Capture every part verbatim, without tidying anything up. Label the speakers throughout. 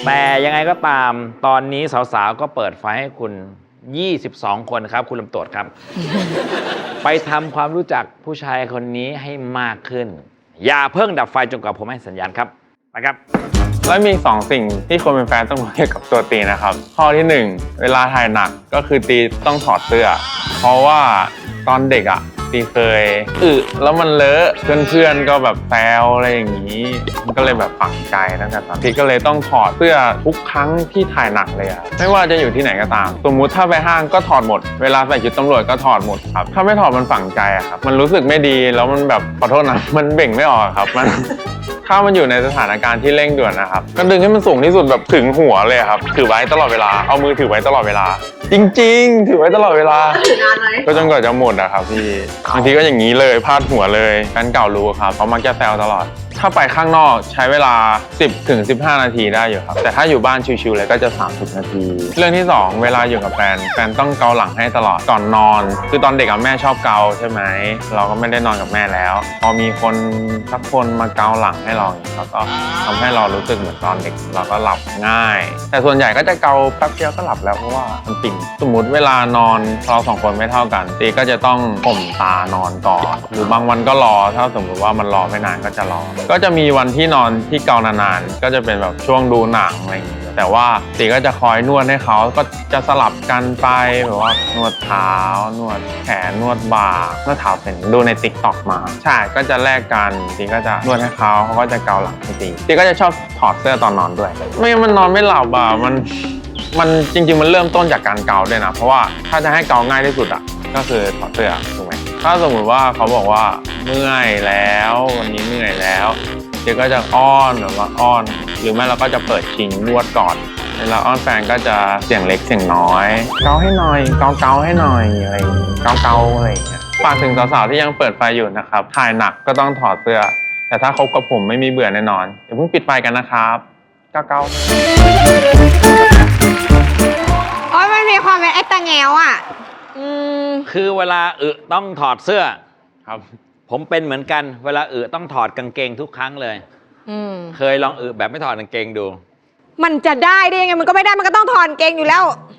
Speaker 1: แต่ยังไงก็ตามตอนนี้สาวๆก็เปิดไฟให้คุณยี่สิบสองคนครับคุณลำตรวจครับ ไปทำความรู้จักผู้ชายคนนี้ให้มากขึ้นอย่าเพิ่งดับไฟจนกว่าผมให้สัญญาณครับนะครับ
Speaker 2: และมีสองสิ่งที่คนเป็นแฟนต้องรู้เกี่ยวกับตัวตีนะครับข้อที่หนึ่งเวลาถ่ายหนักก็คือตีต้องถอดเสื้อเพราะว่าตอนเด็กอ่ะตีเคยอึแล้วมันเลอะเพื่อนๆก็แบบแซวอะไรอย่างนี้มันก็เลยแบบฝังใจตั้งแต่ตอนตีก็เลยต้องถอดเสื้อทุกครั้งที่ถ่ายหนักเลยอะไม่ว่าจะอยู่ที่ไหนก็ตามสมมุติถ้าไปห้างก็ถอดหมดเวลาใส่ชุดตำรวจก็ถอดหมดครับถ้าไม่ถอดมันฝังใจอะครับมันรู้สึกไม่ดีแล้วมันแบบขอโทษนะมันเบ่งไม่ออกครับมันถ้ามันอยู่ในสถานการณ์ที่เร่งด่วนนะครับก็ดึงให้มันสูงที่สุดแบบถึงหัวเลยครับถือไว้ตลอดเวลาเอามือถือไว้ตลอดเวลาจริงๆถือไว้ตลอดเวลา
Speaker 3: ถือนานไหม
Speaker 2: ก็จนกว่าจะหมดอะครับพี่บางทีก็อย่างนี้เลยพาดหัวเลยแฟนเก่ารู้ครับเขามักจะแซวตลอดถ้าไปข้างนอกใช้เวลา สิบถึงสิบห้า นาทีได้อยู่ครับแต่ถ้าอยู่บ้านชิวๆเลยก็จะสามสิบนาทีเรื่องที่สองเวลาอยู่กับแฟนแฟนต้องเกาหลังให้ตลอดก่อนนอนคือตอนเด็กกับแม่ชอบเกาใช่ไหมเราก็ไม่ได้นอนกับแม่แล้วพอมีคนสักคนมาเกาหลังให้เราแล้วก็ทำให้เรารู้สึกเหมือนตอนเด็กเราก็หลับง่ายแต่ส่วนใหญ่ก็จะเกาแป๊บเดียวก็หลับแล้วเพราะว่ามันปิ่นสมมติเวลานอนเราสองคนไม่เท่ากันตีก็จะต้องข่มตานอนก่อนหรือบางวันก็รอถ้าสมมติว่ามันรอไม่นานก็จะรอก็จะมีวันที่นอนที่เกานานๆก็จะเป็นแบบช่วงดูหนังอะไรอย่างเงี้ยแต่ว่าตีก็จะคอยนวดให้เขาก็จะสลับกันไปแบบว่านวดเท้านวดแขนนวดบ่านวดเท้าเป็นดูในติ๊กต็อกมาใช่ก็จะแลกกันตีก็จะนวดให้เขาเขาก็จะเกาหลังให้ตีตีก็จะชอบถอดเสื้อตอนนอนด้วยไม่งั้นมันนอนไม่หลับอ่ะมันมันจริงๆมันเริ่มต้นจากการเกาด้วยนะเพราะว่าถ้าจะให้เกาง่ายที่สุดอ่ะก็คือถอดเสื้อถูกไหมถ้าสมมติว่าเขาบอกว่าเมื่อยแล้ววันนี้เมื่อยแล้วเดี๋ยวก็จะอ้อนแบบว่าอ้อนหรือไม่เราก็จะเปิดชิงนวดก่อนเวลาอ้อนแฟนก็จะเสียงเล็กเสียงน้อยเกาให้หน่อยเกาเกาให้หน่อยอะไรเกาเกาอะไรอย่างเงี้ยฝากถึงสาวๆที่ยังเปิดไฟอยู่นะครับถ่ายหนักก็ต้องถอดเสื้อแต่ถ้าคบกับผมไม่มีเบื่อแน่นอนอย่าเพิ่งปิดไฟกันนะครับเกาเกา
Speaker 3: โอ้ยมันมีความเป็นไอ้ตาแงวอ่ะอืม
Speaker 1: คือเวลาอึต้องถอดเสื้อ
Speaker 2: ครับ
Speaker 1: ผมเป็นเหมือนกันเวลาอึต้องถอดกางเกงทุกครั้งเลยเคยลองอึแบบไม่ถอดกางเกงดู
Speaker 3: มันจะได้ได้ยังไงมันก็ไม่ได้มันก็ต้องถอดกางเกงอยู่แล้ว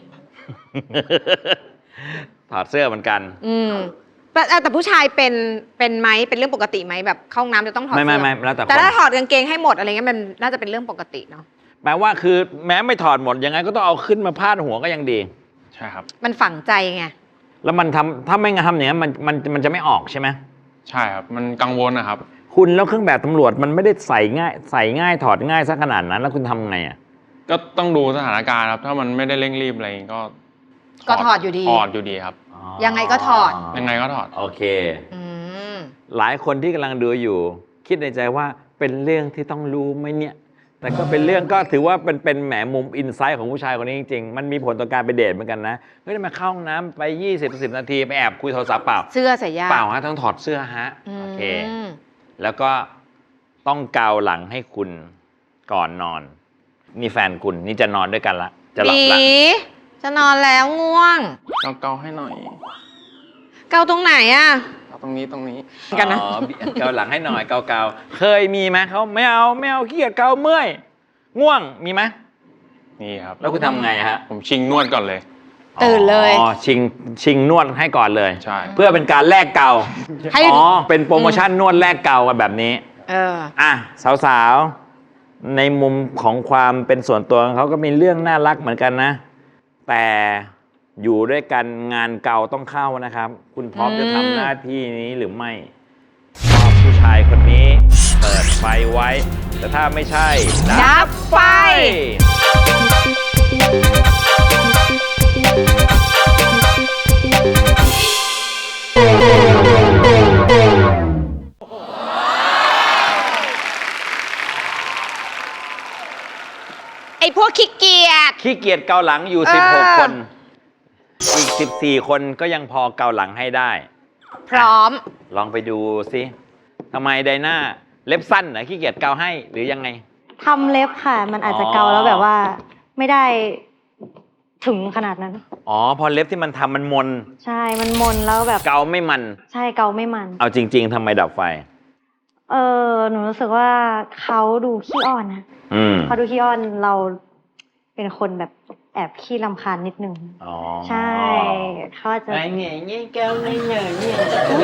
Speaker 1: ถอดเสื้อเหมือนกัน
Speaker 3: อืมแต่แต่ผู้ชายเป็นเป็นไหมเป็นเรื่องปกติไหมแบบเข้าห้องน้ำจะต้องถอดเสื้อ
Speaker 1: ไม่ไม่ไม่แล้วแต่
Speaker 3: แต่ถ้าถอดกางเกงให้หมดอะไรเงี้ยมันน่าจะเป็นเรื่องปกติเนาะ
Speaker 1: แปลว่าคือแม้ไม่ถอดหมดยังไงก็ต้องเอาขึ้นมาพาดหัวก็ยังดี
Speaker 2: ใช่ครับ
Speaker 3: มันฝังใจไง
Speaker 1: แล้วมันทำถ้าไม่งั้นทำอย่างนี้มันมันมันจะไม่ออกใช่ไหม
Speaker 2: ใช่ครับมันกังวลนะครับ
Speaker 1: คุณแล้วเครื่องแบบตำรวจมันไม่ได้ใส่ง่ายใส่ง่ายถอดง่ายซะขนาดนั้นแล้วคุณทำไงอ่ะ
Speaker 2: ก็ต้องดูสถานการณ์ครับถ้ามันไม่ได้เร่งรีบอะไรก็
Speaker 3: ก็ถอดอยู่ดี
Speaker 2: ถอดอยู่ดีครับ
Speaker 3: ยังไงก็ถอด
Speaker 2: ยังไงก็ถอด
Speaker 1: โอเคหลายคนที่กำลังดูอยู่คิดในใจว่าเป็นเรื่องที่ต้องรู้ไหมเนี่ยแต่ก็เป็นเรื่องก็ถือว่าเป็นเป็นแหมมุมอินไซต์ของผู้ชายคนนี้จริงๆมันมีผลต่อการไปเดทเหมือนกันนะเฮ้ยมาเข้าห้องน้ำไปยี่สิบ สิบนาทีไปแอบคุยโทรศัพท์เปล่า
Speaker 3: เสื้อใส่ยา
Speaker 1: เปล่าฮะต้องถอดเสื้อฮะโอเคแล้วก็ต้องเกาหลังให้คุณก่อนนอนนี่แฟนคุณนี่จะนอนด้วยกันละจะหลับละ
Speaker 3: จะนอนแล้วง่วง
Speaker 2: เกาเกาให้หน่อย
Speaker 3: เกาตรงไหนอ่ะ
Speaker 2: ตรงนี้ตรงนี้
Speaker 1: กันนะเกาหลังให้หน่อยเกาเกาเคยมีไหมเขาไม่เอาไม่เอาขี้เกียจเกาเมื่อยง่วงมีไหม
Speaker 2: มีครับ
Speaker 1: แล้วคุณทำไงฮะ
Speaker 2: ผมชิงนวดก่อนเลย
Speaker 3: ตื่นเลย
Speaker 1: อ๋อชิงชิงนวดให้ก่อนเลย
Speaker 2: ใช่
Speaker 1: เพื่อเป็นการแลกเกาอ๋อเป็นโปรโมชั่นนวดแลกเกากันแบบนี้
Speaker 3: เออ
Speaker 1: อ่ะสาวๆในมุมของความเป็นส่วนตัวของเขาก็มีเรื่องน่ารักเหมือนกันนะแต่อยู่ด้วยกันงานเก่าต้องเข้านะครับคุณพร้อมจะทำหน้าที่นี้หรือไม่ชอบผู้ชายคนนี้เปิดไฟไว้แต่ถ้าไม่ใช่
Speaker 3: ดับไฟไอ้พวกขี้เกียจ
Speaker 1: ขี้เกียจเกาหลังอยู่สิบหกคนอีกสิบสี่คนก็ยังพอเกาหลังให้ได้
Speaker 3: พร้อม
Speaker 1: ลองไปดูสิทำไมไดน่าเล็บสั้นเหรอขี้เกียจเกาให้หรือยังไง
Speaker 4: ทำเล็บค่ะมันอาจจะเกาแล้วแบบว่าไม่ได้ถึงขนาดนั้น
Speaker 1: อ๋อพอเล็บที่มันทำมันมน
Speaker 4: ใช่มันมนแล้วแบบ
Speaker 1: เกาไม่มัน
Speaker 4: ใช่เกาไม่มัน
Speaker 1: เอาจริงๆทำไมดับไฟ
Speaker 4: เออหนูรู้สึกว่าเขาดูขี้อ่อนนะเขาดูขี้อ่อนเราเป็นคนแบบแอบขี้รำคาญนิดนึง
Speaker 1: อ๋อ
Speaker 4: ใช่เขาจะ
Speaker 1: ไอ้เงี้ยเงี้ยแก้วไม่เหนื่อยเนี่ย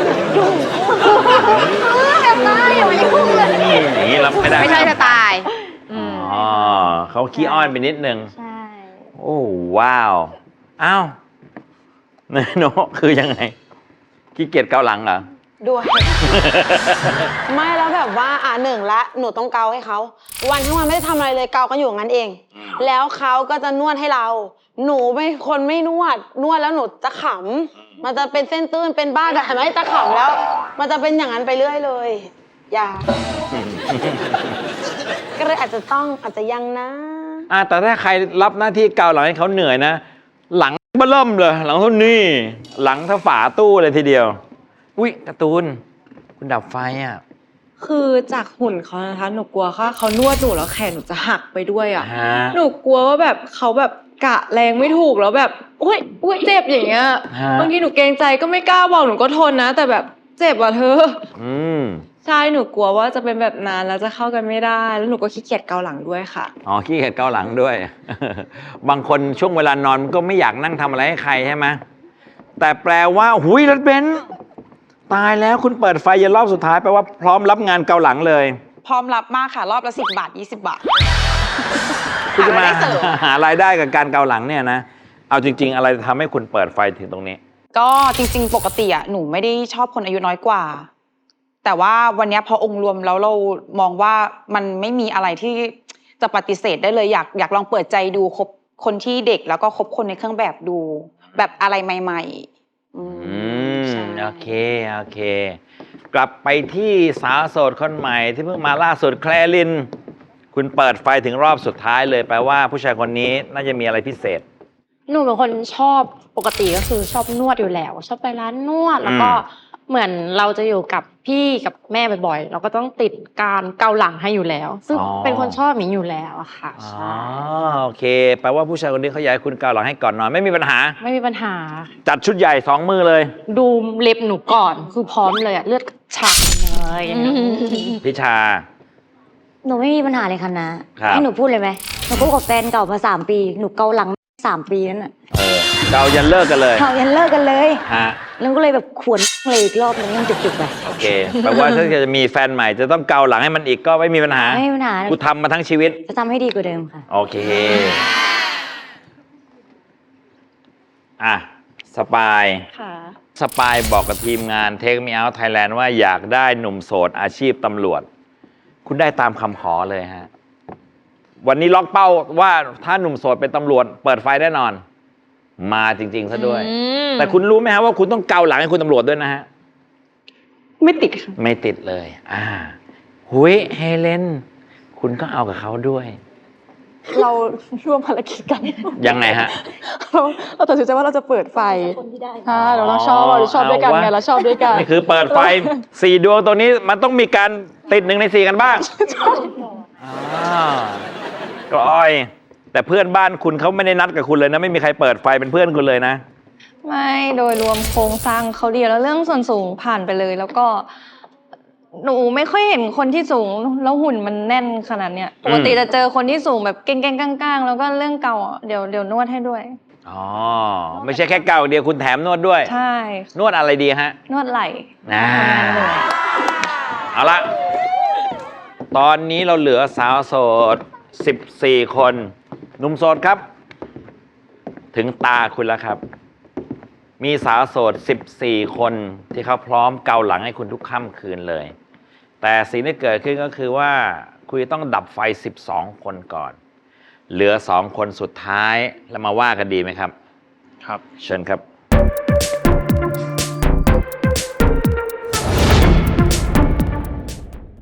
Speaker 4: แบบนั้นอย่ามายุ่งเลย
Speaker 1: อย่างนี้รับไม่ได้
Speaker 3: ไม่ใช่สไตล์
Speaker 1: อ๋อเขาขี้อ้อนไปนิดนึง
Speaker 4: ใช่
Speaker 1: โอ้ว้าว อ้าวเนยโนคือยังไงขี้เกียจเกาหลังเหรอ
Speaker 5: ด้วย ไม่แล้วแบบว่าอ่าหนึ่งละหนูต้องเกาให้เขาวันทั้งวันไม่ได้ทำอะไรเลยเกากันอยู่อย่างนั้นเอง แล้วเขาก็จะนวดให้เรา หนูไม่คนไม่นวด นวดแล้วหนูจะขำมันจะเป็นเส้นตื้นเป็นบ้าแต่เห็นไหมจะขำแล้ว มันจะเป็นอย่างนั้นไปเรื่อยเลย อย่า ก็เลยอาจจะต้องอาจจะยังนะ
Speaker 1: อ่ะแต่ถ้าใครรับหน้าที่เกาหลังให้เขาเหนื่อยนะ หลังเบิ่มเลย หลังเท่านี้ หลังเท่าฝาตู้เลยทีเดียว อุ้ยการ์ตูน คุณดับไฟอ่ะ
Speaker 6: คือจากหุ่นเขานะคะ หนูกลัวว่าเขานวดหนูแล้วแขนหนูจะหักไปด้วยอ่ะ
Speaker 1: ฮะ
Speaker 6: หนูกลัวว่าแบบเขาแบบกะแรงไม่ถูกแล้วแบบอุ้ยอุ้ยเจ็บอย่างเงี้ย
Speaker 1: ฮะ
Speaker 6: บางทีหนูเกรงใจก็ไม่กล้าบอกหนูก็ทนนะ แต่แบบเจ็บอ่ะเธอ
Speaker 1: อืม
Speaker 6: ใช่หนูกลัวว่าจะเป็นแบบนั้นแล้วจะเข้ากันไม่ได้ แล้วหนูก็ขี้เกียจเกาหลังด้วยค่ะ
Speaker 1: อ๋อขี้เกียจเกาหลังด้วย บางคนช่วงเวลานอนมันก็ไม่อยากนั่งทำอะไรให้ใครใช่ไหมแต่แปลว่าหุยรถเบนซ์ตายแล้วคุณเปิดไฟยันรอบสุดท้ายแปลว่าพร้อมรับงานเกาหลังเลย
Speaker 5: พร้อมรับมากค่ะ รอบละสิบบาทยี่สิบบาท
Speaker 1: คุณจะมา
Speaker 5: หารายได้เสริม
Speaker 1: หารายได้กับการเกาหลังเนี่ยนะ เอาจริง ๆ อะไรทำให้คุณเปิดไฟถึงตรงนี้
Speaker 5: ก็จริงๆ ปกติอ่ะหนูไม่ได้ชอบคนอายุน้อยกว่า แต่ว่าวันเนี้ยพอองค์รวมแล้วเรามองว่ามันไม่มีอะไรที่จะปฏิเสธได้เลยอยากอยากลองเปิดใจดูคบคนที่เด็กแล้วก็คบคนในเครื่องแบบดู แบบอะไรใหม่ๆอืม
Speaker 1: อืม
Speaker 5: ใช่
Speaker 1: โอเค โอเค กลับไปที่สาวโสดคนใหม่ที่เพิ่งมาล่าสุดแคลริน คุณเปิดไฟถึงรอบสุดท้ายเลยแปลว่าผู้ชายคนนี้น่าจะมีอะไรพิเศษ
Speaker 7: หนูเป็นคนชอบปกติก็คือชอบนวดอยู่แล้ว ชอบไปร้านนวด แล้วก็
Speaker 1: อืม
Speaker 7: เหมือนเราจะอยู่กับพี่กับแม่บ่อยๆ เราก็ต้องติดการเกาหลังให้อยู่แล้ว ซึ่งเป็นคนชอบหมีอยู่แล้วอะค่ะ
Speaker 1: อ๋อ
Speaker 7: ใช่
Speaker 1: โอเค แปลว่าผู้ชายคนนี้เขาอยากให้คุณเกาหลังให้ก่อนนอนไม่มีปัญหา
Speaker 7: ไม่มีปัญหา
Speaker 1: จัดชุดใหญ่สองมือเลย
Speaker 7: ดูเล็บหนูก่อนคือพร้อมเลยอะเลือดฉากเลย
Speaker 1: พิชา
Speaker 4: หนูไม่มีปัญหาเลยค่ะนะครับ ให้หนูพูดเลยไหมหนูคบกับแฟนเก่ามาสามปีหนูเกาหลังสามปีนั่นน่ะ
Speaker 1: เออเกายันเลิกกันเลย
Speaker 4: เขายันเลิกกันเลย
Speaker 1: ฮะ
Speaker 4: แล้วก็เลยแบบขวนเลยอีกรอบนึงยังจุกๆไป
Speaker 1: โอเค แปลว่าถ้าจะมีแฟนใหม่จะต้องเกาหลังให้มันอีกก็ไม่มีปัญหา
Speaker 4: ไม่มีปัญหา
Speaker 1: กูทำมาทั้งชีวิต
Speaker 4: จะทำให้ดีกว่าเดิมค่ะ
Speaker 1: โอเค อ่ะ สปาย
Speaker 6: ค่ะ
Speaker 1: สปายบอกกับทีมงาน Take Me Out Thailand ว่าอยากได้หนุ่มโสดอาชีพตำรวจ คุณได้ตามคำขอเลยฮะ วันนี้ล็อกเป้าว่าถ้าหนุ่มโสดเป็นตำรวจ เปิดไฟแน่นอน มาจริง ๆ ซะด้วย
Speaker 3: อืม
Speaker 1: แต่คุณรู้ไหมฮะว่าคุณต้องเกาหลังให้คุณตำรวจด้วยนะฮะ
Speaker 6: ไม่ติดค่ะ
Speaker 1: ไม่ติดเลย อ่า หุยเฮเลน คุณก็เอากับเขาด้วย
Speaker 6: เราร่วมภารกิจกัน
Speaker 1: ยังไงฮะ
Speaker 6: เราเราตัดสินใจว่าเราจะเปิดไฟใช่เราเราชอบเราชอบด้วยกันไงเราชอบด้วยกัน
Speaker 1: นี่คือเปิดไฟ สี่ดวงตัวนี้มันต้องมีการติดหนึ่งในสี่กันบ้างอ่ากลอย แต่เพื่อนบ้านคุณเขาไม่ได้นัดกับคุณเลยนะ ไม่มีใครเปิดไฟเป็นเพื่อนคุณเลยนะ
Speaker 8: ไม่โดยรวมโครงสร้างเขาดีแล้วเรื่องส่วนสูงผ่านไปเลย แล้วก็ หนูไม่ค่อยเห็นคนที่สูงแล้วหุ่นมันแน่นขนาดเนี้ยปกติจะเจอคนที่สูงแบบเก่งๆก้างๆแล้วก็เรื่องเก่าอ่ะเดี๋ยวเดี๋ยวนวดให้ด้วย
Speaker 1: อ๋อ ไม่ใช่แค่เก่าเดียวคุณแถมนวดด้วย
Speaker 8: ใช่
Speaker 1: นวดอะไรดีฮะ
Speaker 8: นวดไหล่
Speaker 1: อ่า
Speaker 8: ทำงานเหนื่อย
Speaker 1: เอาละ ตอนนี้เราเหลือสาวโสด สิบสี่ คน หนุ่มโสดครับ ถึงตาคุณแล้วครับ มีสาวโสด สิบสี่ คนที่เขาพร้อมเกาหลังให้คุณทุกค่ำคืนเลย แต่สิ่งที่เกิดขึ้นก็คือว่าคุณต้องดับไฟ สิบสอง คนก่อน เหลือสองคนสุดท้ายแล้วมาว่ากันดีไหมครับ
Speaker 2: ครับ
Speaker 1: เชิญครับ